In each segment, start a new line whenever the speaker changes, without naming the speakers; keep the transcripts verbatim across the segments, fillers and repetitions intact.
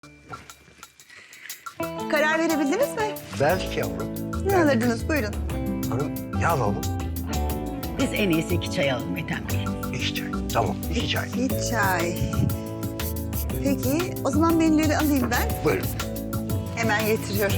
Karar verebildiniz mi?
Belki yavrum.
Ne alırdınız? Buyurun.
Hanım ne alalım?
Biz en iyisi iki çay alalım Ethem Bey.
İki çay. Tamam iki çay.
Bir çay. Peki, o zaman menüleri alayım ben.
Buyurun.
Hemen getiriyorum.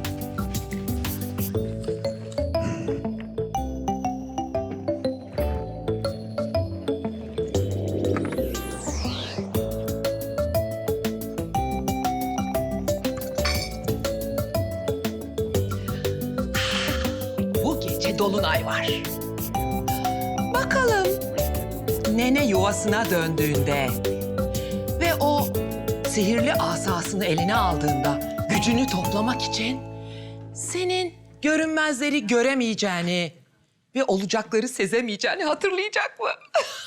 Bu gece dolunay var. Bakalım nene yuvasına döndüğünde ve o sihirli asasını eline aldığında gücünü toplamak için senin görünmezleri göremeyeceğini ve olacakları sezemeyeceğini hatırlayacak mı?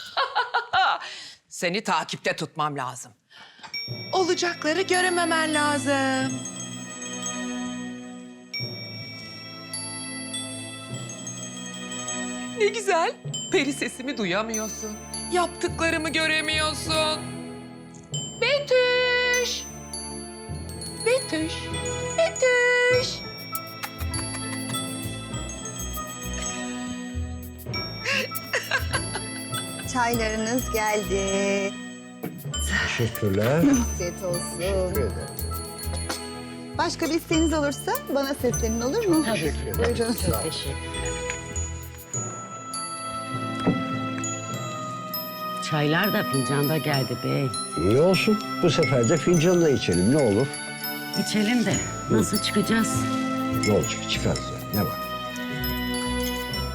Seni takipte tutmam lazım. Olacakları görememen lazım. Ne güzel. Peri sesimi duyamıyorsun. Yaptıklarımı göremiyorsun. Betüş. Betüş. Betüş.
Çaylarınız geldi.
Teşekkürler.
Afiyet olsun.
Teşekkür ederim.
Başka bir isteğiniz olursa bana seslenin, olur mu?
Tabii.
Teşekkür ederim.
Buyurun.
Sağ ol.
Çok teşekkürler. Çaylar da fincanda geldi bey.
İyi olsun. Bu sefer de fincanla içelim ne olur.
İçelim de nasıl çıkacağız?
Ne olacak çıkarız ya. Ne var?